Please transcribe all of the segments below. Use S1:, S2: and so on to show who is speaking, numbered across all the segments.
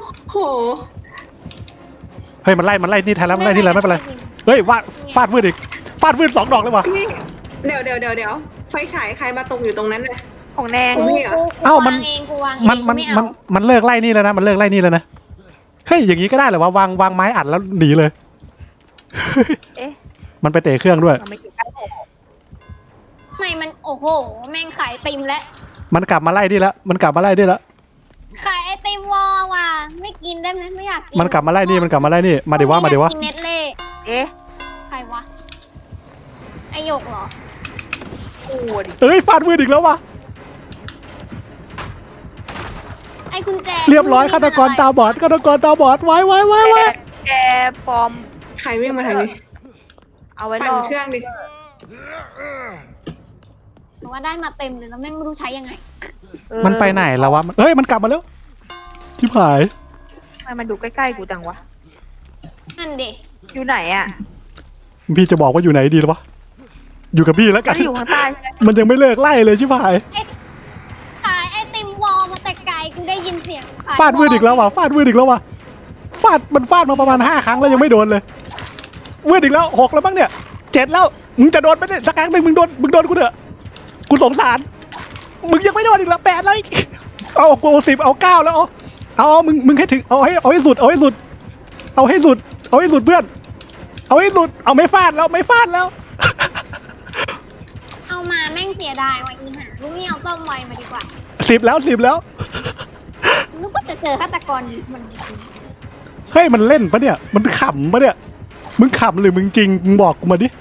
S1: โห
S2: เฮ้ยมันไล่นี่แทนแล้วมันไล่ที่ไรไม่เป็นไรเฮ้ยฟาดวืดอีกฟาดวืด2 ดอกเลยว่ะ
S1: นี่เดี๋ยวไฟฉายใครมาตกอยู่ตรงนั้นน่ะ
S3: ของแดง
S1: กู
S2: เอ้ามัน
S4: วางเองกูวางเอง
S2: มันเลิกไล่นี่แล้วนะมันเลิกไล่นี่แล้วนะเฮ้ยอย่างนี้ก็ได้เหรอวะวางไม้อัดแล้วหนีเลย
S3: เอ๊ะ
S2: มันไปเตะเครื่องด้วย
S3: มันไม่เกี่ยวกับผม
S4: ไม่มันโอ้โหแม่งขายไอติมแล้ว
S2: มันกลับมาไล่นี่แล้วมันกลับมาไล่นี่แล้ว
S4: ขายไอติมวอว่ะไม่กินได้ไหมไม่อยากกิน
S2: มันกลับมาไล่นี่มาเดี๋ยวว่า
S4: กินเน็ตเล่
S3: เอ๊ะ
S4: ใครวะไอหยกเหรอ
S3: โอ้ดิ
S2: เอ้ยฟาดวืดอีกแล้ววะ
S4: ไอกุญแจ
S2: เรียบร้อยฆาตกรตาบอดไว้
S3: แกปลอม
S1: ใครวิ่งมาทางนี้
S3: เอาไว้ร
S1: ปั่น
S3: อ
S1: เครื่องดิ
S4: หนูว่าได้มาเต็มเลยแล้วแม่งไม่รู้ใช้ยังไง
S2: มันไปไหนแล้ววะเอ้ยมันกลับมาแล้วชิบหาย
S3: ทำไมมันดูใกล้ๆกูจังวะ
S4: นั่นเด็
S3: อยู่ไหนอ่ะ
S2: พี่จะบอกว่าอยู่ไหนดีหรอวะอยู่กับพี่แล้วกั
S3: มัน นอยู่ข้างใต้ใช่ไหม
S2: มันยังไม่เลิกไล่เลยชิบหาย
S4: ขายไอติมวอมาแต่ไกลกูได้ยินเสียงขย
S2: ฟาดวืดอีกแล้วว่ะฟาดมาประมาณ5 ครั้งแล้วยังไม่โดนเลยวืดอีกแล้ว6แล้วบ้างเนี่ย7แล้วมึงจะโดนไหมเนี่ยสักครั้งหนึ่งมึงโดนกูเถอะกูสงสารมึงยังไม่โดนอีกแล้ว8แล้วเอากู10เอา9แล้วเอามึงให้ถึงเอาให้สุดเพื่อนเอาให้สุดเอาไม่ฟาดแล้ว
S4: เอามาแม่งเสียดายว่ะอีห่าลูกนี่เอาต้มไวมาดีกว่า
S2: 10แล้ว
S4: นึกว่าจะเจอฆาตกรมัน
S2: เฮ้ยมันเล่นปะเนี่ยมันขำปะเนี่ยมึงขำหรือมึงจริงมึงบอกกูมาดิ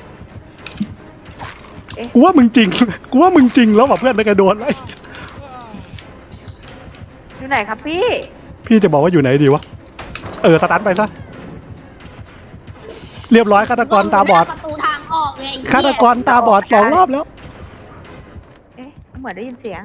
S2: กูว่ามึงจริงแล้วว่ะเพื่อนได้กระโดดเลย
S3: อยู่ไหนครับพี่
S2: พี่จะบอกว่าอยู่ไหนดีวะสตันไปซะเรียบร้อยฆาตกรตาบอด
S4: ประตูทางออกเลยไอ้เหี้ย
S2: ฆาตกรตาบอด2 รอบแล้ว
S3: เอ๊ะเหมือนได้ยินเสียง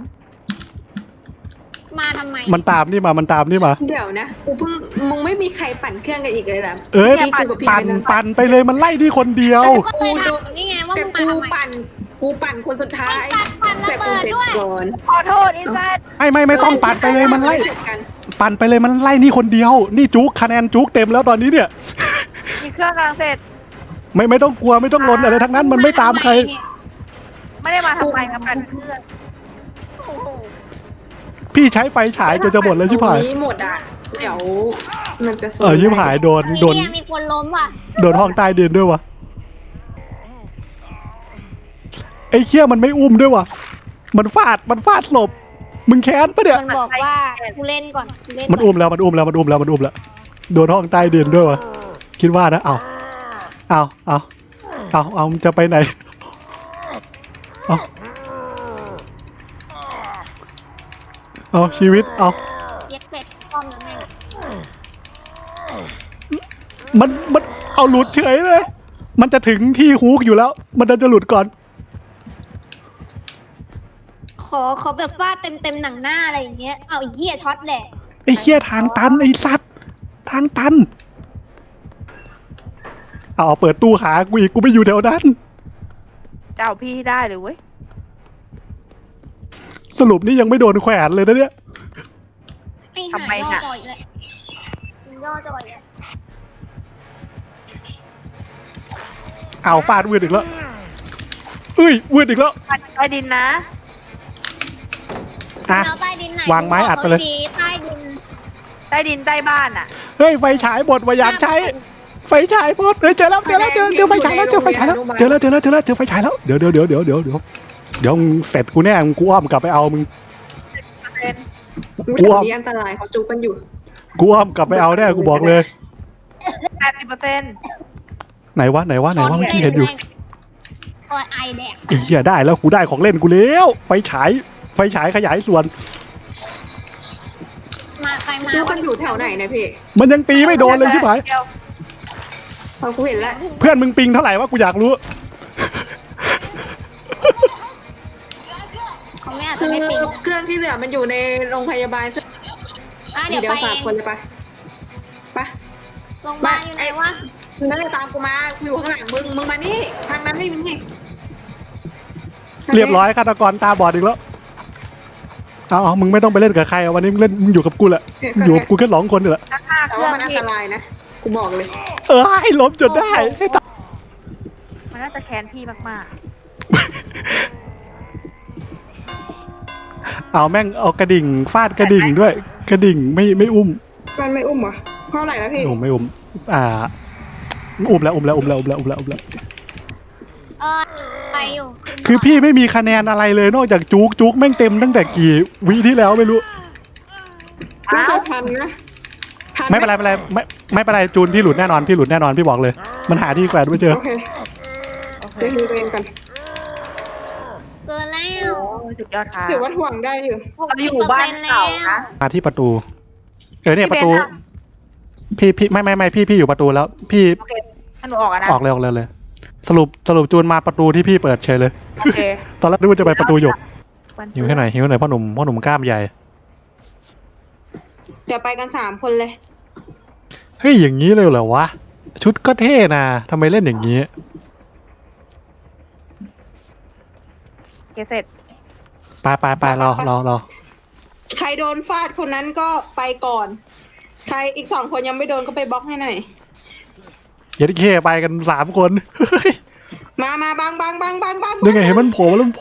S4: มาทำไม
S2: มันตามนี่มา
S1: เดี๋ยวนะกูเพิ่งมึงไม่มีใครปั่นเครื่องกันอีกเลยเหรอ
S2: ปั่นไปเลยมันไล่ที่คนเดียว
S4: ก็เคยถามนี่ไงว่า
S1: แต่
S4: มึงมาทำไม
S1: กูปั่นคนสุดท้าย
S4: ปั่นระ
S1: แต่กู
S4: เบิด
S1: เสร็จ
S4: ด้วย
S1: ก่อน
S3: ขอโทษอินซัต
S2: ไม่ต้องปั่นไปเลยมันไล่
S1: เสร็จกัน
S2: ปั่นไปเลยมันไล่นี่คนเดียวนี่จุกคะแนนจุกเต็มแล้วตอนนี้เนี่ย
S3: มีเครื่องกำลังเสร็จ
S2: ไม่ต้องกลัวไม่ต้องลนอะไรทั้งนั้นมันไม่ตามใคร
S3: ไม่ได้มาทำไมกับกันเครื่อง
S4: โอ้โห
S2: พี่ใช้ไฟฉายจนจะหมดแล้วชิบหาย
S1: ตรงนี้หมดอ่ะเดี๋ยวมันจะ
S2: ชิบหายโดน
S4: เนี่ยมีคนล้มว่ะ
S2: โดนห้องใต้ดินด้วยวะไอ้เขี้ยมันไม่อุ้มด้วยวะมันฟาดศพมึงแค้นปะเนี่ย
S4: มันบอกว่ากูเล่นก่อนกูเล่น
S2: มันอุ้มแล้วโดนห้องใต้ดินด้วยวะคิดว่านะเอามึงจะไปไหนเอาชีวิตเอา
S4: เย็ดเป็ดป้อมแล้วแม่ง
S2: มันเอาหลุดเฉยเลยมันจะถึงที่ฮุกอยู่แล้ว มันจะหลุดก่อน
S4: ขอแบบว่าเต็มหนังหน้าอะไรอย่างเงี้ยเอาไอ้เหี้ยช็อตแหละ
S2: ไอ้เขี้ยทางตันไอ้สัตว์ทางตันเอาเปิดตู้หากูอีกกูไม่อยู่แถวนั้น
S3: เจ้าพี่ได้เลยเว้ย
S2: สรุปนี่ยังไม่โดนแขวนเลยนะเนี่ย
S4: ไอ้หาย่อจอยเลยย่อจอยเลย
S2: เอาฟาดวืดอีกแล้ววืดอีกแล้ว
S3: ใต้ดินนะ
S4: แล้วใต้ดินไหน
S2: วางไม้อัดไปเลย
S4: ใต้ดิน
S3: ใต้ดินใต้บ้านอ่ะ
S2: เฮ้ยไฟฉายหมดว่าอยากใช้ไฟฉายหมดเจอแล้วเจอไฟฉายแล้วเจอไฟฉายแล้วเจอไฟฉายแล้วเดี๋ยวมึงเสร็จกูแน่มึงกูอ้อมกลับไปเอามึง
S1: ไม่ถึงนี้อันตรายเขาจูกันอยู่
S2: กูอ้อมกลับไปเอาแน่กูบอกเลย
S3: 80%
S2: ไหนวะเมื่อกี้เห็นอยู่
S4: โอ้ยไอแดก
S2: ไอ้เหี้ยได้แล้วกูได้ของเล่นกูแล้วไฟฉายขยายส่วน
S4: มาใครมา
S1: จูกันอยู่แถวไหนนะพี่
S2: มันยังตีไม่โดนเลยใช่ไหม
S1: พอกูเห็นแล้ว
S2: เพื่อนมึงปิงเท่าไหร่วะกูอยากรู้
S4: เขาไม่อาจ
S1: คื
S4: จะ
S1: อ
S4: ไม่ปิง
S1: เครื่องที่เหลือมันอยู่ในโรงพยาบาล
S4: เดี๋ยวไปเอ
S1: ฝาก
S4: ง
S1: คนเลยไป
S4: โรงพยาบาลอยู่ไหนวะ
S1: นั่นเลยตามกูมากูอยู่ข้างหลังมึงมานี่ทางนั้นไม่มี
S2: เรียบร้อยฆาตกรตาบอดอีกแล้วเอามึงไม่ต้องไปเล่นกับใครอะวันนี้มึงเล่นมึงอยู่กับกูแหละอยู่กับกูแค่2 คนนี่แหละ
S3: ห้า
S1: แต่
S3: เครื่
S1: ว่า
S3: อง
S1: มันอัน
S3: พี่
S1: ตรายนะกูบอกเลย
S2: ให้ล้มจนได้ให้ตาย
S3: มันน่าจะแค้นพี่มาก
S2: เอาแม่งเอากระดิ่งฟาดกระดิ่งด้วย กระดิ่งไม่อุ้ม
S1: มันไม่อุ้มเหรอเท่าไหร่แล้วพี่
S2: ไม่อุ้มอุ้มแล้วอุ้มแล้ว
S4: เออไปอยู่
S2: คือพี่ไม่มีคะแนนอะไรเลยนอกจากจุกแม่งเต็มตั้งแต่กี่วิที่แล้วไม่รู้
S3: ๆ
S1: น่า
S3: อ้า
S1: จะ
S3: ว
S1: ทันนะทัน
S2: ไม่เป็นไรไม่เป็นไรจูนพี่หลุดแน่นอนพี่บอกเลย มันหาที่แขวนไม่เจอ
S1: โอเคเดี๋ยวดูตัวเองกัน
S4: เกินแล้ว
S3: โอ้ยสุดยอดค่ะ
S1: ถือว่าถ่วงได้อยู่
S3: เราอยู่บ้านเก่านะ
S2: มาที่ประตูเนี่ยประตู
S3: พี่เบนซ์อะ
S2: พี่ไม่พี่อยู่ประตูแล้ว พี่
S3: โอเคถ้าหนูออกอะนะ
S2: ออกเลยสรุปจูนมาประตูที่พี่เปิดเฉยเลย
S3: โอเค
S2: ตอนแรกนึกว่าจะไปประตูหยก
S3: วัน
S2: หิวแค่ไหนพ่อหนุ่มกล้ามใหญ่
S1: เดี๋ยวไปกัน3 คนเลย
S2: เฮ้ยอย่างนี้เลยเหรอวะชุดก็เท่นะทำไมเล่นอย่างนี้
S3: โอเคเสร็จ
S2: ไปรอ
S1: ใครโดนฟาดคนนั้นก็ไปก่อน ใครอีก2 คนยังไม่โดนก็ไปบล็อกให้หน่อย
S2: เย็ดเคไปกัน3 คนเฮ้ย
S1: มาบัง
S2: นี่ไงเห็นมันโผล่มาแล้ว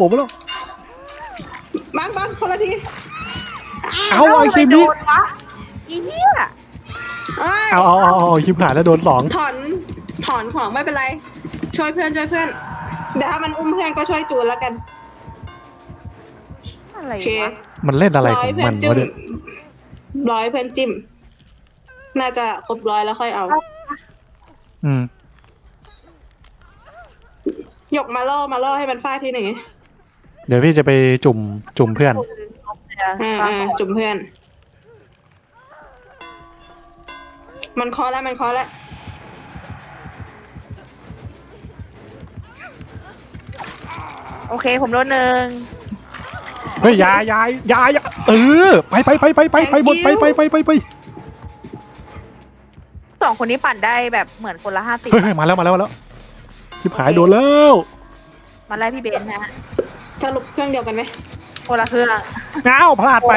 S1: บังคนละที
S2: เอาไอ้คิมนี่
S3: โดนวะอีเหี้ย
S1: เอ้ย
S2: เอาคิมขาดแล้วโดน2
S1: ถอนของไม่เป็นไร ช่วยเพื่อนเดี๋ยวถ้ามันอุ้มเพื่อนก็ช่วยจูนแล้วกัน
S3: อะไร
S1: โอเคว
S3: ะ
S2: มันเล่นอะไรของมันวะเนี่ย
S1: ร้อยเพื่อนจิ้ม น่าจะครบ100แล้วค่อยเอา
S2: อืม
S1: หยกมาล่อให้มันฟาดทีหนึ่ง
S2: เดี๋ยวพี่จะไปจุ่มเพื่อน
S1: จุ่มเพื่อน มันเคาะแล้ว
S3: โอเคผมโดน1
S2: เฮ้ยอยาไปหมดไป
S3: 2 คนนี้ปั่นได้แบบเหมือนคนละ50
S2: เฮ้ยมาแล้วชิบหายโดนแล้ว
S3: มาไล่พี่เบนซ์นะฮะ
S1: สรุปเครื่องเดียวกันไหม
S3: คนละเครื่อง
S2: ง้าวพลาดไป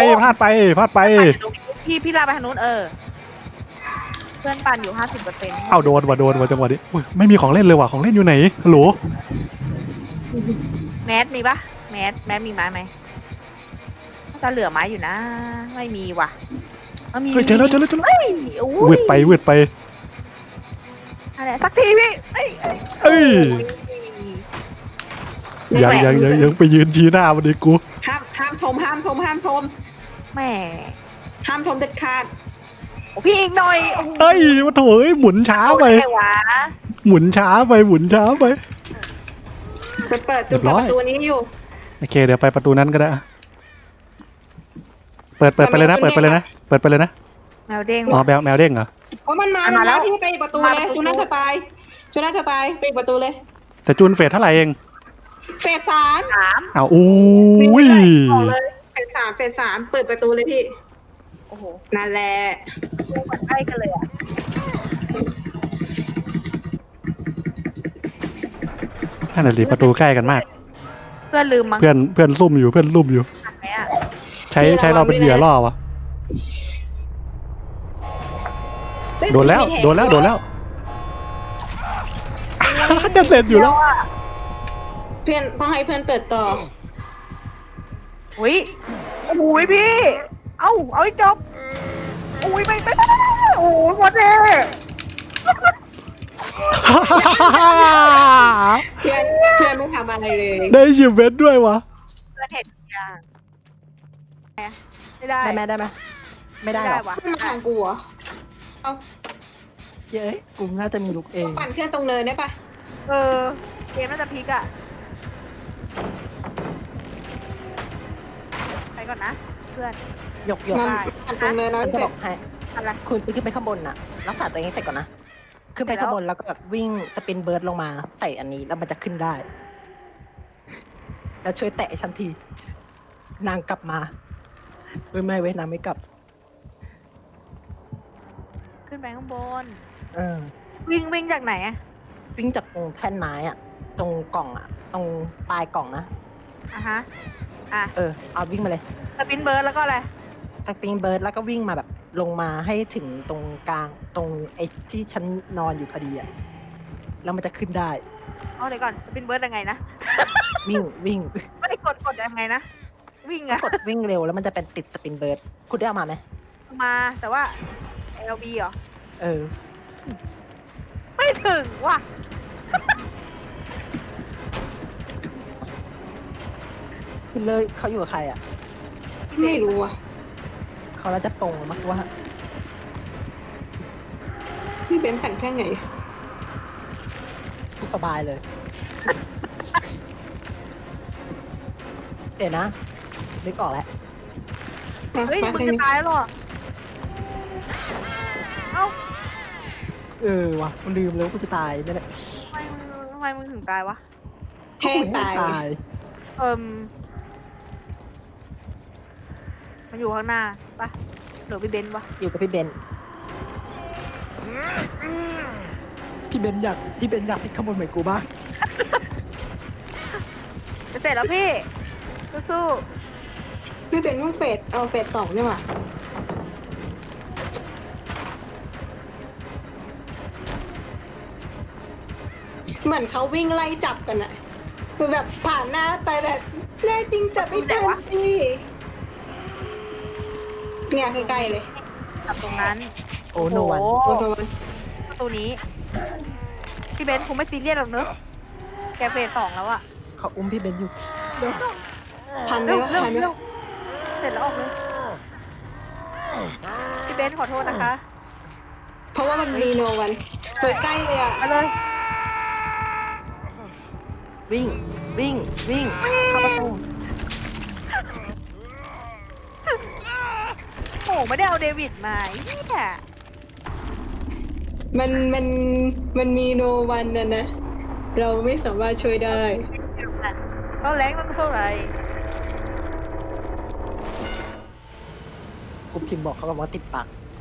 S3: พี่ลาไปทางนู้นเพื่อนปั่นอยู่ 50%
S2: เอาโดนว่ะจังหวะนี้อุ๊ยไม่มีของเล่นเลยว่ะของเล่นอยู่ไหนฮัลโหล
S3: แมสมีปะแมสมีไม้ไหมน่าจะเหลือไม้อยู่นะ ไม่มีว่ะมี
S2: เฮ้ยเจอแล้ว
S3: เฮ้ยโอ้ยว
S2: ืดไป
S3: อะไรสักทีพี่เอ้ย
S2: เอ้ยยังไปยืนชี้หน้ามันดิกู
S1: ห้ามชม
S3: แหม
S1: ห้ามชมเด็ดขาด
S3: โอ้พี่อีกหน่อยโอ้โห
S2: เอ้ยมาโถยหมุนช้าไป
S3: เอาด้วะ
S2: หมุนช้าไป
S1: จะเปิด
S2: เรียบร้อย
S1: ประตูนี้อยู่
S2: โอเคเดี๋ยวไปประตูนั้นก็ได้อะเปิดไปเลยนะ
S3: แมวเด้ง
S2: อ๋อ
S3: ว่ะ
S2: แมวเด้งเหรอ
S1: เพราะมันมา
S3: มาแล้ว
S1: ที่ไปอีกประตูเลย จูน่าจะตายไปอีกประตูเลย
S2: แต่จูนเฟสเท่าไหร่เอง
S1: เฟส
S3: 3
S2: อ้าวอุ้ย
S3: บอกเลย
S1: เฟสสามเปิดประตูเลยพี่
S3: โอ้โห
S1: นั่นแหละ
S3: ใกล้กันเลยอ่ะ
S2: นั่นแหละสิประตูใกล้กันมาก
S3: เพื่อนลืมมั้ง
S2: เพื่อนซุ่มอยู่
S3: ทันไหมอ่ะ
S2: ใช้เราเป็นเหยื่อล่อวะโดนแล้ว เด็ดเสร็จอยู่แล้ว
S1: เพื่อนต้องให้เพื่อนเปิดต่อ
S3: อุ้ยโอ้โหพี่ เอาให้จบอุ้ยไปโอ้โหหมดเลย
S1: เพื่อนไม่ทำอะไรเลย
S2: ได้ชิมเวทด้วยวะ
S3: เพื่อนเห็นทุกอย่างไม่ได้
S5: ได้ไหมไม่ได้หรอก
S3: วะ
S1: ขึ้นมาทางกูเหรอเอา
S5: เย้ยกูน่าจะมีลุกเอง
S1: ปั่นเครื่องตรงเนินได้ปะ
S3: เกมน่าจะพลิกอ่ะไปก่อนนะเพื่อน
S5: หยก
S1: มัน
S3: ได้
S1: ปั่นตรงเนิน
S5: มั
S1: แล้ว
S5: นจะ
S1: เสร็
S5: บ
S1: จ
S5: อกให้
S3: อะไร
S5: คุณขึ้นไปข้างบนน่ะ รักษาตัวเองให้เสร็จก่อนนะ ขึ้นไป
S3: เสร็จแล้ว
S5: ข้างบนแล้วก็แบบวิ่งสปินเบิร์ดลงมาใส่อันนี้แล้วมันจะขึ้นได้ แล้วช่วยแตะฉันที นางกลับมาไม่เว้ยนางไม่กลับ
S3: ขึ้นไปข้างบน
S5: เออ
S3: วิ่งจากไหนอะ
S5: วิ่งจากตรงแท่นไม้อะตรงกล่องอะตรงปลายกล่องนะ
S3: อ่ะฮะ
S5: เอาวิ่งมาเลย
S3: สปินเบิร์ดแล้วก็อะไร
S5: สปริงเบิร์ดแล้วก็วิ่งมาแบบลงมาให้ถึงตรงกลางตรงไอ้ที่ฉันนอนอยู่พอดีอะแล้วมันจะขึ้นได้
S3: เอาเดี๋ยวก่อนสปินเบิร์ดยังไงนะ
S5: วิ่ง
S3: ไม่ได้กดยังไงนะ วิ่งอะ
S5: กดวิ่งเร็วแล้วมันจะเป็นติดสปริงเบิร์ดคุณได้เอามาไหม
S3: มาแต่ว่า LB เหรอ
S5: เออ
S3: ไม่ถึงว่ะ
S5: คุณเลยเขาอยู่กับใครอ่ะ
S1: ไม่รู้อ่ะ
S5: เขาน่าจะปงมากว่า
S1: พี่เบนแผ่นแค่ไหน
S5: สบายเลย เดี๋ยวนะนึกออกแล้ว
S3: เฮ้ย
S1: มา
S3: มึง
S1: แค่
S3: จะ
S1: นี้
S3: ตายแล้วเหรอ เอ้า
S5: เออว่ะมันลืมแล้วากูจะตายไม่ได้
S3: ทำไมมึงถึงตายวะ
S1: แห้งตาย
S5: ตาย
S3: มันอยู่ข้างหน้าปะหรือพี่เบนซ์วะ
S5: อยู่กับพี่เบนพี่เบนอยากติดขโมยเหมือนกูบ้าง
S3: จะเสร็จแล้วพี่ สู้
S1: พี่เบนเพิ่งเอาเฟสสองนี่หว่าเหมือนเขาวิ่งไล่จับกันอะคือแบบผ่านหน้าไปแบบแน่จริงจับไม่ทันสิเนี่ยใกล้ๆเลย
S3: ๆจับตรงนั้น
S5: โอ้โนวัน
S3: โอ้
S1: โอ้
S3: โห
S1: โห
S3: ประตูนี้ พี่เบนซ์คงไม่ซีเรียสหรอกเนอะแกเฟส2แล้วอะ
S5: เขาอุ้มพี่เบนอยู่เดี๋ยว
S1: ทันไหม
S3: เร็ว
S1: วะ
S3: เร็ว
S1: ทันไหม
S3: เร็วเสร็จแล้วออกเลย พี่เบนซ์ขอโทษนะคะ
S1: เพราะว่ามันมีโนวันเปิดใกล้เลยอะ
S3: มาเลย
S5: วิ่งเข้าประตู
S3: โอ้ไม่ได้เอาเดวิดมาไอ้เนี่ย
S1: มันมีโนวันนะนะ เราไม่สามารถช่วยได้
S3: เขาแรงตั้งเท่าไหร่
S5: กูพิมพ์บอกเขาบอกว่าติดปาก